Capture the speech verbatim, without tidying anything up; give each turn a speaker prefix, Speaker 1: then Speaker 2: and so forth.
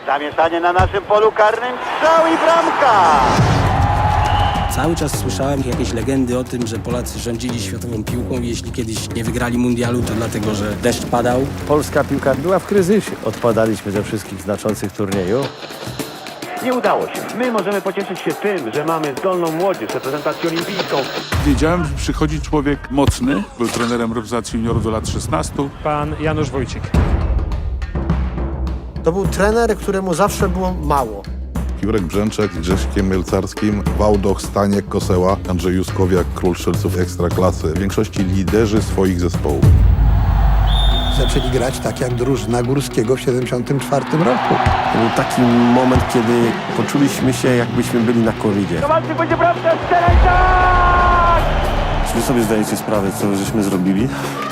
Speaker 1: Zamieszanie na naszym polu karnym, strzał i bramka!
Speaker 2: Cały czas słyszałem jakieś legendy o tym, że Polacy rządzili światową piłką i jeśli kiedyś nie wygrali mundialu, to dlatego, że deszcz padał.
Speaker 3: Polska piłka była w kryzysie. Odpadaliśmy ze wszystkich znaczących turniejów.
Speaker 4: Nie udało się. My możemy pocieszyć się tym, że mamy zdolną młodzież, reprezentację olimpijską.
Speaker 5: Wiedziałem, że przychodzi człowiek mocny. Był trenerem reprezentacji juniorów do lat szesnastu.
Speaker 6: Pan Janusz Wójcik.
Speaker 7: To był trener, któremu zawsze było mało.
Speaker 8: Jurek Brzęczek z Grześkiem Mielcarskim, Wałdoch, Staniek, Koseła, Andrzej Juskowiak, król strzelców ekstraklasy. W większości liderzy swoich zespołów.
Speaker 7: Zaczęli grać tak jak drużyna Górskiego w siedemdziesiątym czwartym roku.
Speaker 3: To był taki moment, kiedy poczuliśmy się, jakbyśmy byli na koridzie.
Speaker 4: Kowalczyk będzie bramka, strzelaj tak!
Speaker 3: Czy wy sobie zdajecie sprawę, co żeśmy zrobili?